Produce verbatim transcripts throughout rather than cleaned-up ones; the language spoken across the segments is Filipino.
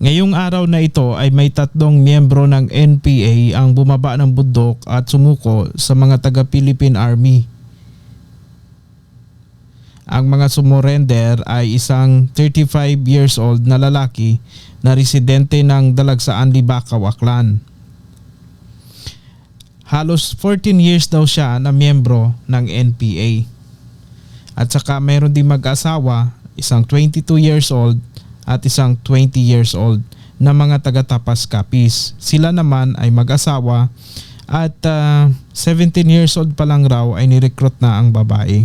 Ngayong araw na ito ay may tatlong miyembro ng N P A ang bumaba ng bundok at sumuko sa mga taga-Philippine Army. Ang mga sumurrender ay isang thirty-five years old na lalaki na residente ng Dalagsaan, Libacao, Aklan. Halos fourteen years daw siya na miyembro ng N P A. At saka mayroon din mag-asawa, isang twenty-two years old at isang twenty years old na mga taga-Tapas Capiz. Sila naman ay mag-asawa at uh, seventeen years old pa lang raw ay nirecruit na ang babae.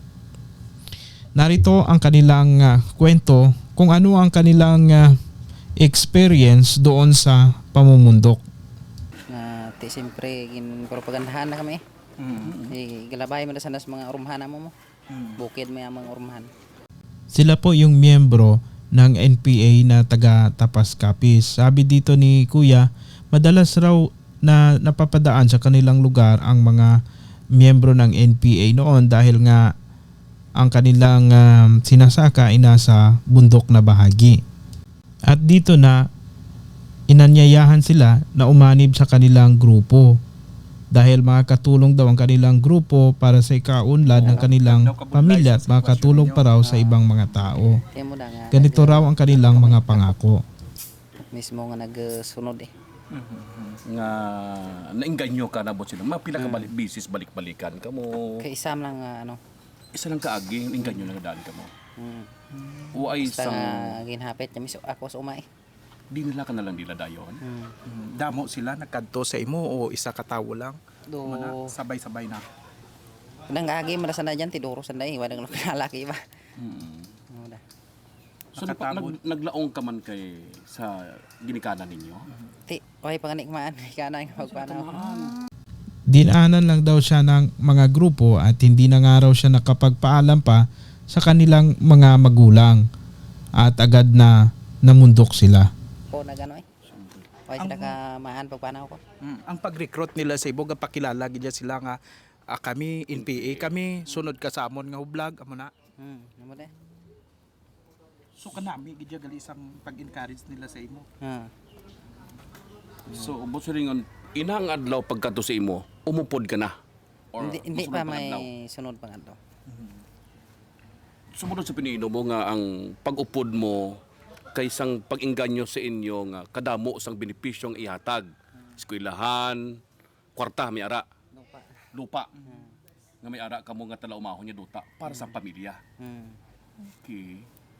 Narito ang kanilang uh, kwento kung ano ang kanilang uh, experience doon sa pamumundok. Na ti siyempre gin propagandahan na kami. Mm. -hmm. Galabay mo na sana sa mga urumhan mo mo. Mm. Bukid may mga urumhan. Sila po yung miyembro ng N P A na taga Tapas Capiz. Sabi dito ni Kuya, madalas raw na napapadaan sa kanilang lugar ang mga miyembro ng N P A noon dahil nga ang kanilang um, sinasaka ay nasa bundok na bahagi. At dito na inanyayahan sila na umanib sa kanilang grupo dahil makakatulong daw ang kanilang grupo para sa ikaunlad ng kanilang pamilya at makakatulong pa raw sa ibang mga tao. Ganito raw ang kanilang mga pangako. Mismo nga nagsunod eh. Nga nainganyo ka na bot sila. Mapila ka balik bisis balik-balikan ka mo. Kay isam lang uh, ano. Isa lang kaagi inganyo na dali ka mo. Hmm. O ay Basta sang nga ginhapit kami so ako sa umay. di nila ka na lang nila dayon. Hmm. Mm, Damo sila nagkadto sa imo o isa ka tawo lang? Do Mana, sabay-sabay na. nang agi mo na sana diyan tiduro sa dai wala nang lalaki ba. Mm. Ano da. So nagpa, nag, naglaong ka man kay sa ginikanan ninyo. Ti way panganik maan kana nga pagpanaw. Dinanan lang daw siya ng mga grupo at hindi na nga raw siya nakapagpaalam pa sa kanilang mga magulang at agad na namundok sila. Ko na ganoy. Way sila ka maan pagpanaw ko. Mm, ang pag-recruit nila sa ibo pakilala gid sila nga ah, kami N P A kami sunod ka sa amon nga hublag amo na. Hmm, amo de. So kanami gid gali isang pag-encourage nila sa imo. Ha. So ubos ringon inang adlaw pagkadto sa imo, umupod ka na. Or Hindi, hindi mosunod pa pang adlaw? may sunod pang adlaw. Sumunod sa piniino mo nga ang pag-upod mo kaysang pag-inganyo sa inyo nga kadamo sang benepisyong ihatag. Eskwelahan, kwarta may ara, Lupa. lupa. Nga may ara kamo nga tala umahon niya duta para sa pamilya. Hmm. Okay.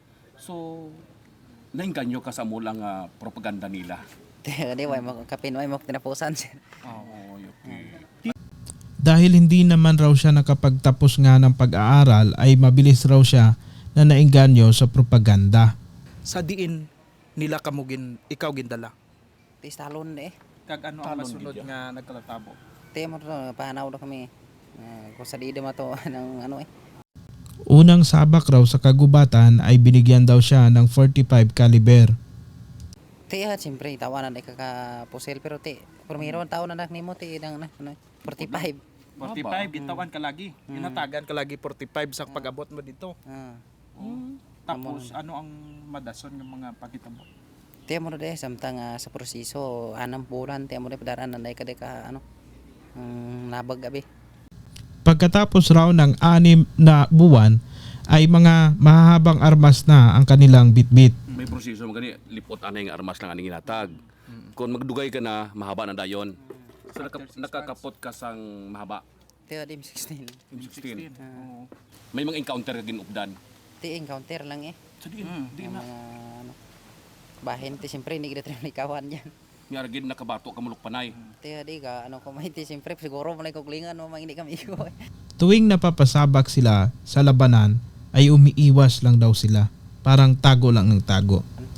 So nainganyo ka sa mula nga propaganda nila. Di way mo kapin way mo tinapusan siya. Oh, okay. Dahil hindi naman raw siya nakapagtapos nga ng pag-aaral ay mabilis raw siya na nainganyo sa propaganda. Sa diin nila kamugin ikaw gindala. Tis talon eh. Kag ano ang Talon masunod gid nga nagkalatabo. Te mo to panaw do kami. Uh, ko sa dide mo to ng ano eh. Unang sabak raw sa kagubatan ay binigyan daw siya ng forty-five caliber. Te ha siyempre tawanan ay kakapusil pero te primero taon na nak nimo te nang ano forty-five. forty-five gitawan ka lagi. Inatagan ka lagi forty-five sa pag-abot mo dito. Ah. Tapos ano ang madason ng mga pakitabo? Te mo de samtang uh, sa proseso anam bulan te mo de padaran nanday ka de ka ano. Um, nabag gabi. Pagkatapos raw ng anim na buwan ay mga mahahabang armas na ang kanilang bitbit. May proseso mo gani lipot anay nga armas lang aning ginatag. Kung magdugay ka na mahaba na dayon. So naka, nakakapot ka sang mahaba. Te dim sixteen. sixteen. Oo. May mga encounter ka ginupdan. Te encounter lang eh. So di, di Ang na. mga ano. Bahin te siyempre hindi kita ni kawan diyan. Nga gid nakabato ka mulok panay. Te di ka ano ko may te siyempre siguro mo lang kuklingan mo mangini kami iko. Tuwing napapasabak sila sa labanan ay umiiwas lang daw sila. Parang tago lang ng tago.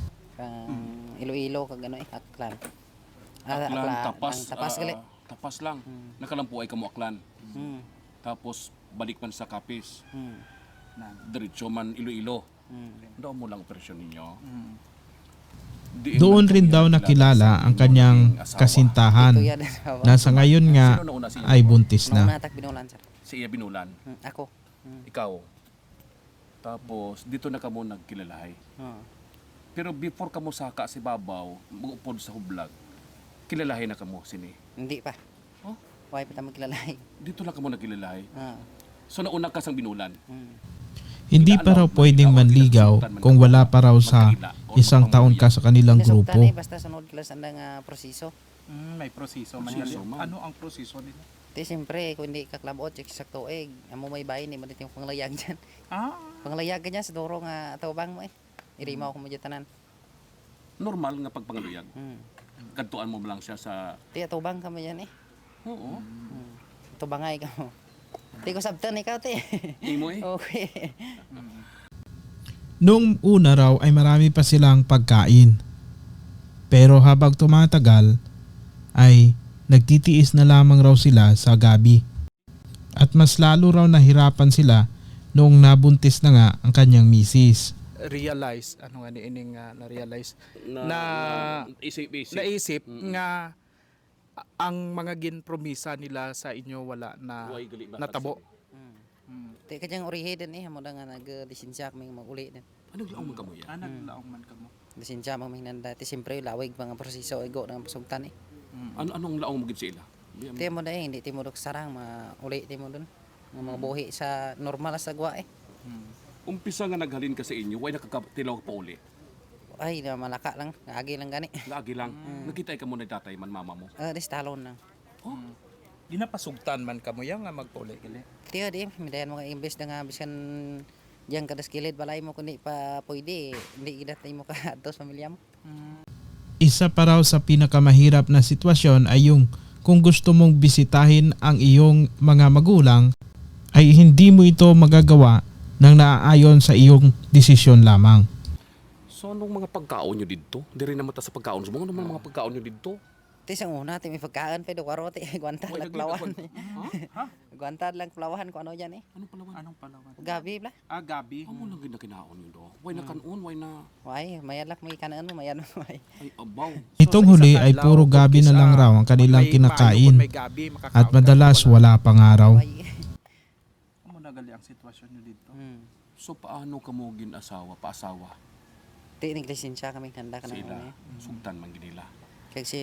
Kang Iloilo kag ano eh aklan. Ah, Aklan, tapas. ang tapas ah, gali. tapas lang. Nakalampu ay kamo aklan. Hmm. Tapos balik man sa Capiz. Hmm. Na diretso man Iloilo. Hmm. Doon mo lang operasyon ninyo. Mm. Diin Doon man rin kami daw nakilala nakilala sa ang inyong kanyang naging asawa. kasintahan Ito yan. na sa ngayon nga Sino nauna sa inyo? ay buntis Nung na. natak binulan sir. Si Iya Binulan. Hmm. Ako. Hmm. Ikaw. Tapos dito na kamo nagkilalahay. Oh. Pero before ka mo saka si Babaw, mag-upod sa hublag, kilalahin na ka mo sini. Hindi pa. Oh? Why pa tayo magkilalay? Dito lang ka mo nagkilalahi. Ah. So nauna ka sang binulan. Mm. Hindi pa raw pwedeng manligaw kung wala pa raw sa isang taon ka sa kanilang Nasugtan grupo. eh, basta sunod kila sa nga proseso. Mm, may proseso man Proseso, yan. ma'am. Ano ang proseso nila? Di siyempre, kung hindi ka klabot, check sa tuig. Amo may bayin eh, madit yung panglayag dyan. Ah, Panglayag ka dyan, sa duro nga tawbang mo eh. Irimaw ko mo dyan tanan. Normal nga pagpangaluyag. Hmm. Kadtuan mo lang siya sa... Di, tawbang ka mo dyan eh. Oo. Hmm. Tubangay ka mo. Di ko sabtan ikaw, ti. Imo eh. Okay. Noong una raw ay marami pa silang pagkain. Pero habang tumatagal ay nagtitiis na lamang raw sila sa gabi. At mas lalo raw nahirapan sila noong nabuntis na nga ang kanyang misis. realize, ano nga ni ining uh, na-realize, Na, na, isip-isip. naisip Mm. nga a- ang mga ginpromisa nila sa inyo wala na Huwag gali ba natabo. Hmm. Mm. Di ka dyan urihe din eh. Amo na nga nag-lisensya kami maguli din. Anong laong mo yan? Ah, naglaong man kamo. Lisensya mo hinanda. Di siyempre, lawig mga proseso. Igo ng pasugtan eh. Mm. Ano anong laong mo gid sa ila? Di- Di mo na eh, hindi ti mo dok sarang. Mauli ti mo dun. Nga mga buhi sa normal sa gwa eh. Mm. Umpisa nga naghalin ka sa inyo, way nakakatilaw pa uli. Ay, na malaka lang. Agi lang gani. Lagi lang. Nakita ka mo na tatay man mama mo. Ah, di talon lang. Ginapasugtan man kamo yang nga magpuli gali. Tiyo di, midayan mo ka imbes na nga biskan diyan kadas kilid balay mo kundi pa pwede. Hindi gidat mo ka atos pamilya mo. Isa pa raw sa pinakamahirap na sitwasyon ay yung kung gusto mong bisitahin ang iyong mga magulang ay hindi mo ito magagawa nang naaayon sa iyong desisyon lamang. So anong mga pagkaon nyo dito? Di rin naman ta sa pagkaon. So mga naman mga pagkaon nyo dito? Ti sang una ti may pagkaan pa do karo ti guantad Way, lang nagli- plawan. Ha? Guantad lang plawan ko ano diyan eh. Anong palawan? Anong palawan? Gabi bla. Ah, gabi. Amo lang gid na kinaon yun do. Way na kanon, way na... Why, mayalak may kanan mo, mayan mo. Ay. Ay, abaw. Itong sa huli isang ay adlaw, puro gabi na kung lang kisa raw ang kanilang may kinakain bayo, may gabi, makakaon at ka, madalas wala pang araw. Why. Amo na gali ang sitwasyon nyo dito. Hmm. So paano ka mo gin-asawa, paasawa Ti naglisensya kami handa ka sa na ila? ano eh. Sugdan man gid nila. Kasi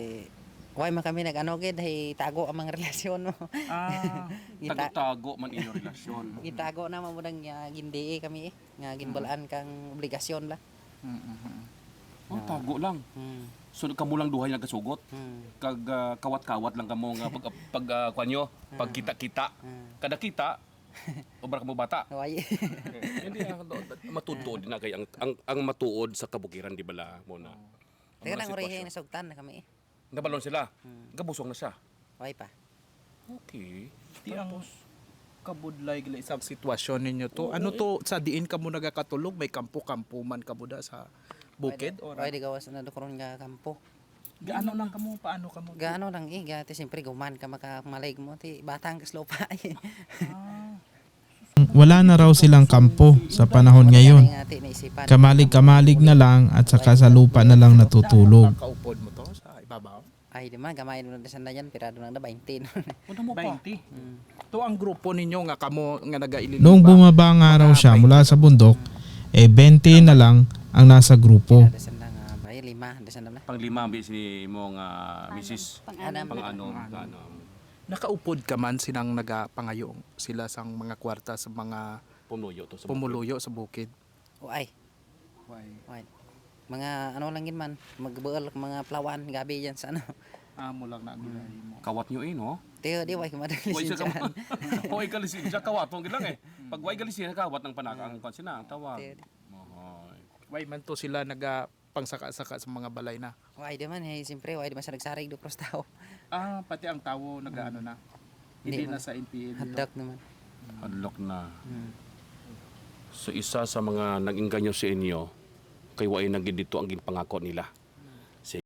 why man kami nag-ano gid hay tago ang mga relasyon mo. Ah, Gita Tago-tago man inyong relasyon. gitago na mo nang uh, gindi kami eh. Nga ginbalaan kang obligasyon la. mm, mm, mm. Oh, tago lang. Hmm. So kamo lang duhay nagkasugot. Hmm. Kag ah, kawat-kawat lang kamo nga pag pag uh, kanyo, pag kita-kita. Hmm. Kada kita, obra ka mo bata. Why. Hindi ah, matuod na kay ang, ang ang matuod sa kabukiran di bala mo na. Teka lang urihe na sugtan na kami eh. Nabalon sila. Hmm. Gabusong na siya. Why pa. Okay. Di ang kabudlay gali sa sitwasyon ninyo to. Ano to sa diin kamo nagakatulog, may kampo-kampo man kabuda sa bukid or Why di gawas na dokoron nga kampo. gaano lang kamo paano kamo? Gaano lang eh, gati siyempre guman ka makamalig mo ti batang kaslopa eh. Ah, Wala na raw silang kampo sa panahon ngayon. Kamalig-kamalig na lang at saka sa lupa na lang natutulog. Kaupod mo to sa ibabaw? Ay di man gamay mo na sanda yan pirado lang na twenty. Ano mo pa? twenty. Hmm. To ang grupo ninyo nga kamo nga nagailin. Noong bumaba nga raw siya mula sa bundok, eh twenty na lang ang nasa grupo. Ada sanda nga bay lima, ada sanda na. Panglima bi si mo nga misis Anam. pang ano, ano. Nakaupod ka man sinang nagapangayong sila sang mga kwarta sa mga Pumuyo to sa pumuluyo sa bukid. O ay, Why? why. Mga ano lang yun man, magbuol mga plawan gabi yan sa ano. Amo lang na gulay mo. Kawat nyo eh, no? Tiyo di why kumadali Way sa siya. Way kalisin siya kawat mo lang eh. Pag way kalisin kawat ng panaka ang kansina ang tawag. Tiyo di. Ohoy. Why man to sila naga pangsaka-saka sa mga balay na. Why di man eh, siyempre why di man sa nagsarig do pros tao. Ah, pati ang tawo nagaano na. Hindi Hindi na man. sa N P A dito. Hadak naman. Hadlock na. Hmm. So isa sa mga nag-inganyo sa inyo, kay way naging dito ang ginpangako nila.